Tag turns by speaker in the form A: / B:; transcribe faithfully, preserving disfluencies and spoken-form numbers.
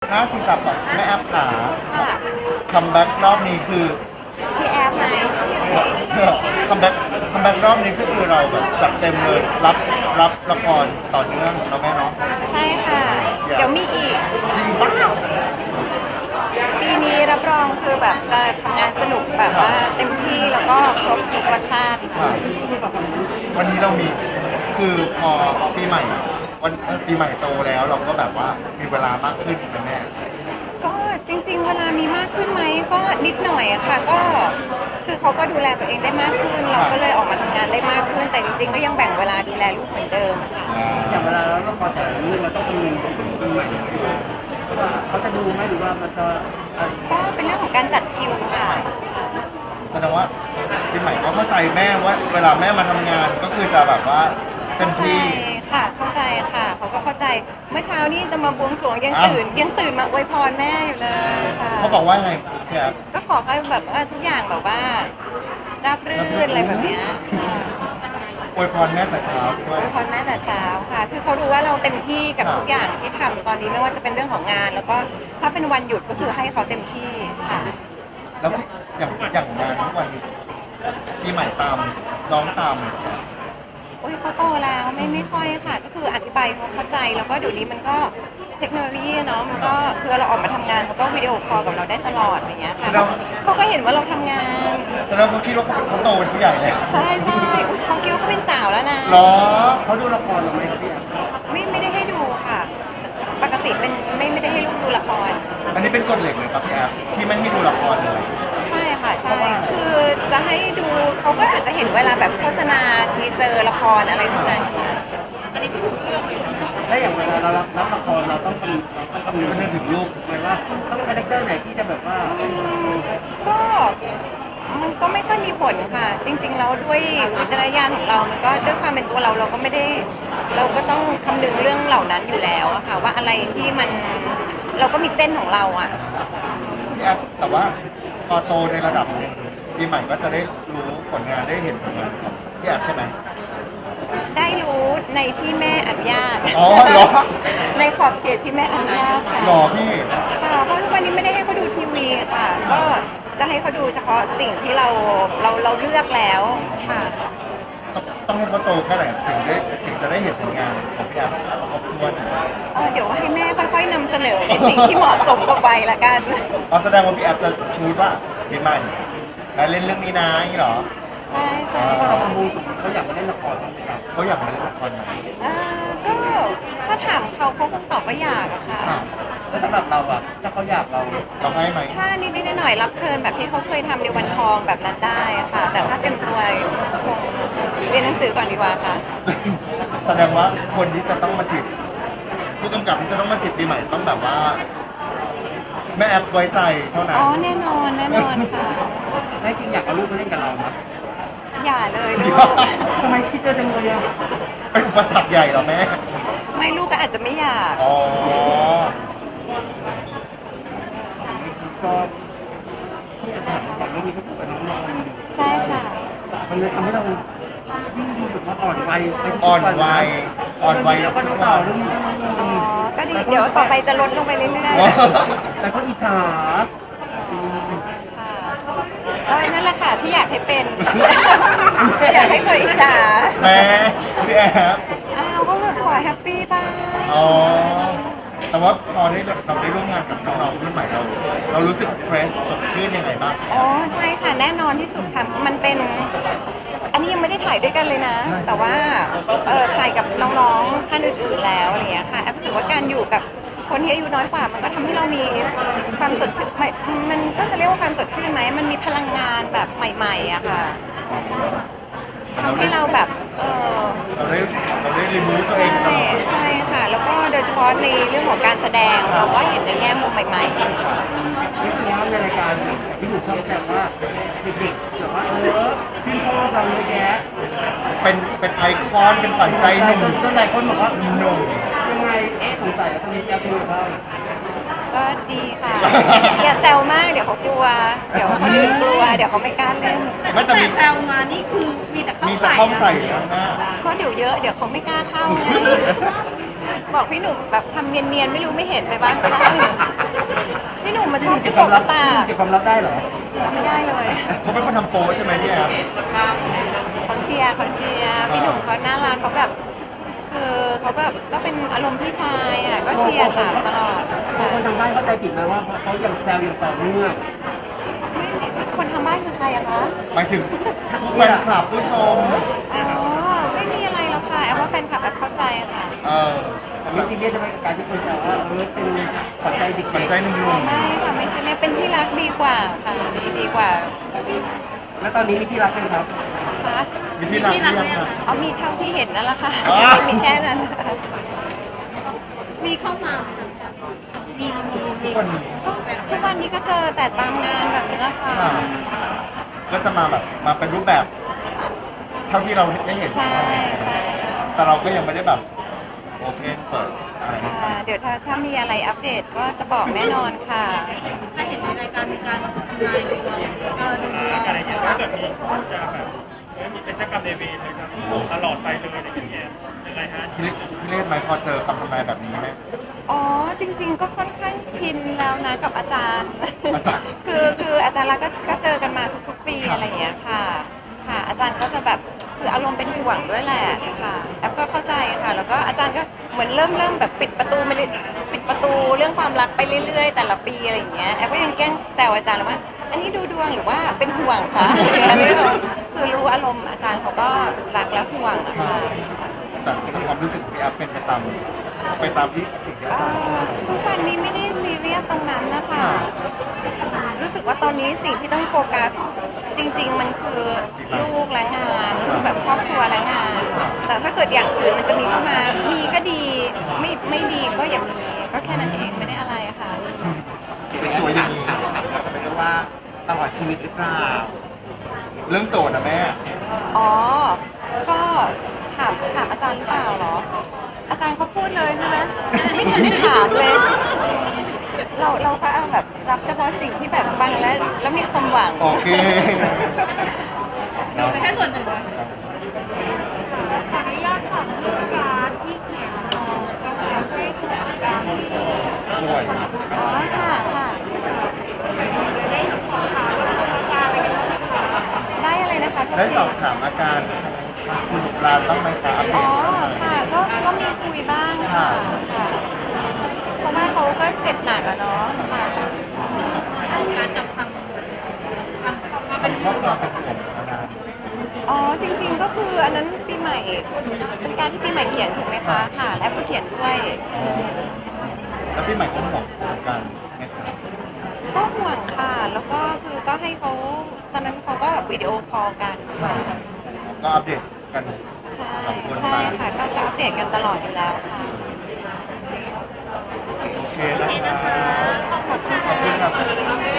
A: ห้าสี่สับก่อนแม่แอปขา
B: ค่ะ
A: คัมแบ็กรอบนี้คือ
B: พี่แอฟไหม
A: คัมแบ็กคัมแบ็กรอบนี้ก็คือเราแบบจัดเต็มเลยรับรับละครต่อเนื่องเราแม่เนาะ
B: ใช่ค่ะ เดี๋ยวมีอีก
A: จริงปะ
B: ปีนี้รับรองคือแบบจะทำงานสนุกแบบว่าเต็มที่แล้วก็ครบทุกรสชาติ
A: ค่ะวันนี้เรามีคือพอปีใหม่วันเอ่อปีใหม่โตแล้วเราก็แบบว่ามีเวลามากขึ้นใช่ไหมแม่
B: ก็จริงๆ เวลามีมากขึ้นไหมก็นิดหน่อยอะค่ะก็คือเขาก็ดูแลตัวเองได้มากขึ้น เราก็เลยออกมาทำงานได้มากขึ้น แต่จริงๆ ก็ยังแบ่งเวลาดูแลลูกเหมือนเดิมค่ะ
C: อย่างเวลาเราละครแต่ละเรื่องเราต้องคำนึงถึงปีใหม่ว่าเขาจะดูไหมหรือว่ามันจะอะไร
B: ก็เป็นเรื่องของการจัดคิวค่ะ
A: แสดงว่าปีใหม่ก็เข้าใจแม่ว่าเวลาแม่มาทำงานก็คือจะแบบว่าเต็ม
B: เข้าใจ
A: ที่
B: ค่ะเข้าใจค่ะเขาก็เข้าใจเมื่อเช้านี่จะมาบวงสรวงยัง
A: อ้าว
B: ตื่นยังตื่นมาอวยพรแม่อยู่เลยค่ะ
A: เขาบอกว่าไงพี่แอฟ
B: ก็ขอให้แบบว่าทุกอย่างแบบว่าราบรื่นอะไรแบบเนี้ยค่ะ
A: อวยพรแม่แต่เช้าด้
B: อ
A: วย
B: วยพรแม่แต่เช้าค่ะ คือเขารู้ว่าเราเต็มที่กับ
A: ครับ
B: ทุกอย่างที่ทำตอนนี้ไม่ว่าจะเป็นเรื่องของงาน แล้วก็ถ้าเป็นวันหยุดก็คือให้เขาเต็มที่ค่ะ
A: แล้วอย่างอย่างงานทุกวันนี้ปีใหม่ตามร้องตาม
B: โอ้ยเขาโตแล้วไม่ไม่ค่อยค่ะ ก็คืออธิบายเขาเข้าใจแล้วก็เดี๋ยวนี้มันก็เทคโนโลยีเนาะมันก็คือเราออกมาทำงานเขาก็วิดีโอคอลกับเราได้ตลอดอย่างเงี้ยค่ะ
A: แสดง
B: เขาก็เห็นว่าเราทำงาน
A: แสดงว่าเขาคิดว่าเขาเป็นเขาโตเป็นผู้ใหญ่แล้ว
B: ใช่ใช่อุ๊ยเขาคิดว่าเขาเป็นสาวแล้วนะ
A: เหรอ
C: เขาดูละครหรือไม่พี่แอฟ
B: ไม่ไม่ได้ให้ดูค่ะ ปกติเป็นไม่ไม่ได้ให้ลูกดูละคร
A: อันนี้เป็นกฎเหล็กเลยครับพี่แอฟที่ไม่ให้ดูละครเลย
B: ใช่ค่ะใช่คือจะให้ดูเขาก็อาจจะเห็นเวลาแบบโฆษณาทีเซอร์ละครอะไรพวกนั้นค่ะ
C: และอย่างเวลาเรารับรับละครเราต้องคำนึงเราต้องคำนึง
A: ก็นึกถึงลูก
C: หมายว่าต้องคาแรคเตอร์ไหนที่จะแบบว่า
B: ก็มันก็ไม่ค่อยมีผลค่ะ จริงๆแล้วด้วยวิจารณญาณของเรา มันก็ด้วยความเป็นตัวเราเราก็ไม่ได้เราก็ต้องคำนึงเรื่องเหล่านั้นอยู่แล้วอะค่ะ ว่าอะไรที่มันเราก็มีเส้นของเราอะ
A: พี่แอฟแต่ว่าพอโตในระดับหนึงปีใหม่ก็จะได้รู้ผลงานได้เห็นผลงานของพี่แอฟใช่ไหม
B: ได้รู้ในที่แม่อนุญาต
A: อ๋อเหรอ
B: ในขอบเขตที่แม่อนุญาตค่ะ
A: หรอพี่
B: ค่ะเพราะทุกวันนี้ไม่ได้ให้เขาดูทีวีค่ะ ก็จะให้เขาดูเฉพาะสิ่งที่เราเราเราเลือกแล้วค่ะ
A: ต้องต้องให้เขาโตแค่ไหนถึงได้ถึงจะได้เห็นผลงานของพี่แอฟครบถ้วน
B: เออเดี๋ยวให้แม่ค่อยๆนำเสนอในสิ่งที่เหมาะสมกับวัยละกัน
A: อ๋อแสดงว่าพี่แอฟจะชูดว่าปีใหม่มาเล่นเรื่องนี้นะอย่างนี้เหรอ
B: ใช่ใช่
C: ถ้าเราทำบูสุเขาอยากมาเล่นละครบ้างไหมครับ
A: เขาอยากมาเล่นละครไหม
B: เอ่อก็ถ้าถามเขาเขาคงตอบว่าอยากอะค่ะ
A: ค่ะ
C: แล้วสำหรับเราอะถ้าเขาอยากเรา
A: เราให้ไหม
B: ถ้านิดๆหน่อยๆรับเชิญแบบที่เขาเคยทำในวันทองแบบนั้นได้อะค่ะ แต่ถ้าเต็มตัวคงเรียนหนังสือก่อนดีกว่าค่ะ
A: แสดงว่าคนที่จะต้องมาจีบผู้กำกับที่จะต้องมาจีบปีใหม่ต้องแบบว่าแม่แอปไว้ใจเท่านั้
B: อ๋
A: น
B: อแน่นอนแน่นอนค่ะ
C: แม่จริงอยากเอาลูกมาเล่นกับเราไหม
B: อย่าเลยลูก
C: ทำไมคิดเจอจังเลยอะ
A: เป็นอุปสรรคใหญ่เหรอแม่
B: ไม่ลูกก็อาจจะไม่อยาก
A: อ๋อ
C: ก็ที่จะถามก่อนเรื่องนี้ก็ถือว่าน้องนอน
B: ใช่ค่ะ
C: มันเลยทำให้เรายิ่งดูแบบว่าอ่อนวัยไปทุก
A: อ่อน
C: วัน
A: วัยอ่อนวัย
C: แล้วก็ดูต่อเรื่องนี้ก็น้องน
B: อ๋อ
C: อน
B: ก็ดี เดี๋ยวต่อไปจะลดลงไปเรื่อย
A: ว้าว
C: แต่ก็อิจฉา
B: ๆค่ะก็นั่นแหละค่ะที่อยากให้เป็น อยากให้ตัวอิจฉา
A: แม่พี่แอฟ
B: อ้าวก็แบบขอแฮปปี้บ้าง
A: อ๋อ แต่ว่าพอได้เราได้ร่วมงานกับน้องๆรุ่นใหม่เรา เรารู้สึกเฟรชสดชื่นยังไงบ้าง
B: อ๋อใช่ค่ะแน่นอนที่สุดค่ะมันเป็น อันนี้ยังไม่ได้ถ่ายด้วยกันเลยนะ แต่ว่าเออถ่ายกับน้องๆท่านอื่นๆแล้วอะไรอย่างเงี้ยค่ะแอฟรู้สึกว่าการอยู่กับคนที่อายุน้อยกว่า มันก็ทำให้เรามีความสดชื่นไม่มันก็จะเรียกว่าความสดชื่นไหมมันมีพลังงานแบบใหม่ๆอะค่ะทำให้เราแบบเออ
A: เราได้เราได้รีมูฟตัวเอ
B: ใช่
A: งตลอด
B: ใช่ค่ะ แล้วก็โดยเฉพาะในเรื่องของการแสดงเราก็เห็นในแง่มุมใหม่ๆ
C: รู้สึกว่าในรายการพี่หนุ่มชอบแซวว่าเด็กๆแบบว่าเออชื่นชอบเราเยอะแยะ
A: เป็นเป็นไอคอนเป็นฝันใจหนุ่ม
C: จนจนหลายคนบอกว่า
A: หนุ่ม
C: ยังไงเอ๊ะสงสัยว่าคนนี้จะเป็นบ้าง
B: ก็ดีค่ะ อย่าแซวมากเดี๋ยวเขากลัว เดี๋ยวคนอื่นกลัว เดี๋ยวเขาไม่กล้าเล่น
A: ไม่แต่
D: แต่
A: มี
D: แซวมานี่คือมีแต่เข้า
A: มีแต่
D: ใส่
A: เข้า
D: นะ
A: ใส่นะแม่
B: ก็เดี๋ยวเยอะเดี๋ยวเขาไม่กล้าเข้าไงบอกพี่หนุ่มแบบทำเนียนๆไม่รู้ไม่เห็นไปบ้างก็ได้
C: ก็บความลับ
B: ปาก
C: เก็บความลับได้เหรอ
B: ไม่ได้เลย
A: เขาเป็นคนทำโปรใช่ไหมพี่แอฟ
B: เขาเชียร์เขาเชียร์พี่หนุ่มเขาน่ารักเขาแบบคือเขาแบบก็เป็นอารมณ์พี่ชายอ่ะก็เชียร์ถามตลอด
C: บาง
B: ใช่
C: คนทางบ้านเข้าใจผิดไหมว่าเขายังแซวอย่างต่อเนื่อง
B: ไม่ไม่คนทำบ้านคือใครอะคะ
A: หมายถึงแฟนคลับผู้ชม
B: อ๋อไม่มีอะไรหรอกค่ะแอบว่าแฟนคลับแอบเข้าใจค่ะ
A: เออ
C: มีซีเรียสใช่ไหมกับการที่คนแซวว่าเออเป็นขวัญใจเด็กๆ
A: ปัจใจหนุ่ม
B: ไม่ค่ะไม่ใช่เลยเป็นที่รักดีกว่าค่ะดีดีกว่า
C: แล้วตอนนี้มีที่รักกันครับ
B: ค่ะ
A: ๆวิธีรักที่ยังค่ะ
B: เอามีเท่าที่เห็นนั่นแหละค่ะ
A: อ๋อ
B: มีแค่นั้นค่ะ
D: มีเข้ามามีมี
A: ทุกวันนี้
B: ก็ทุกวันนี้ก็เจอแต่ตามงานแบบนี้แหละค่ะ
A: ค่ะก็จะมาแบบมาเป็นรูปแบบ เท่าที่เราได้เห็น
B: ใช่
A: ใช่ไหม
B: ใช่
A: แต่เราก็ยังไม่ได้แบบโอเพนเปิดอะไรให้ใคร
B: ค่ะเดี๋ยวถ้าถ้ามีอะไรอัปเดตก็จะบอกแน่นอนค่ะ
D: ถ้าเห็นในรายการมีการทำนายดวงเออดูดวง
E: อะไรอย่างเงี้ยถ้าเกิดมีผู้จะแบบเอ้ยมีเป็นเจ้ากรรมนายเวรเลยครับตลอดไปเลยอะไรอย่างเงี้ยยังไงฮะ
A: พี่เล่พี่เล่นไหมพอเจอคำทำนายแบบนี้ไหม
B: อ๋อจริง ๆ ก็ค่อนข้างชินแล้วนะกับอาจารย์
A: อาจารย์
B: คือคืออาจารย์รักก็ก็เจอกันมาทุกๆปีอะไรอย่างเงี้ยค่ะ ค่ะ อาจารย์ก็จะแบบคืออารมณ์เป็นห่วงด้วยแหละค่ะแอปก็เข้าใจค่ะ แล้วก็อาจารย์ก็เหมือนเริ่มเริ่มแบบปิดประตูไปเลยปิดประตูเรื่องความรักไปเรื่อยๆ แต่ละปีอะไรอย่างเงี้ยแอปก็ยังแกล้งแซวอาจารย์เลยว่า อันนี้ดูดวงหรือว่าเป็นห่วงคะอันนี้คือรู้อารมณ์อาจารย์เขาก็รักและห่วงนะคะ
A: แต่ถ้าความรู้สึกของพี่แอฟเป็นไปตามไปตามที่สิ่งที่อา
B: เอ่
A: จารย์
B: อทุกวันนี้ไม่ได้ซีเรียสตรงนั้นนะคะ
A: ค่ะ
B: รู้สึกว่าตอนนี้สิ่งที่ต้องโฟกัสจริง ๆ มันคือลูกและงานคือแบบครอบครัวและงาน แต่ถ้าเกิดอย่างอื่นมันจะมีเข้ามา มีก็ดี ไม่ไม่ดีก็อย่ามี ก็แค่นั้นเองไม่ได้อะไรอะค่ะ
A: สวยอย่างนี้
F: ไม่รู้ว่าตลอดชีวิตหรือเปล่า
A: เรื่องโสดนะแม่
B: อ๋อ ก็ถามถามอาจารย์หรือเปล่าเหรอ อาจารย์เขาพูดเลยใช่ไหมไม่ทันได้ถามเลย เราเราก็เอาแบบรับเฉพาะสิ่งที่แบบฟังแล้วแล้วมีความหวัง
A: โอเค
D: ดูไปแค่ส่วนหนึ่ง
A: ป่วย
B: อ๋อค่ะค่ะ ได้อะไรนะคะทุก
A: ได้
B: ที
A: สอบถามอาการทางคุณสุรานบ้างไหมคะอัปเด
B: อ๋อ
A: ตบ้างไหม
B: ค่ะ ก็ก็มีคุยบ้างค่ะค่ะ เพราะว่าเขาก็เจ็บหนักอะเนาะค่ะ
D: การจับคำคำว่าเป็น
A: คำข้อความเป็นห่วงอาจารย์
B: อ๋อจริง ๆ ก็คืออันนั้นปีใหม่เป็นการที่ปีใหม่เขียนถูกไหมคะค่ะ แล้วก็เขียนด้วย
A: แล้วพี่ใหม่ก็ห่วงเหมือนกันไหมคะ
B: ก็ห่วงค่ะ แล้วก็คือก็ให้เขาตอนนั้นเขาก็แบบวิดีโอคอลกันค่ะ
A: ก็อัปเดตกัน
B: ใช่
A: ขอบคุณ
B: ใช่
A: มาก
B: ค่ะ ก็จะอัปเดตกันตลอดอยู่แล้วค่ะ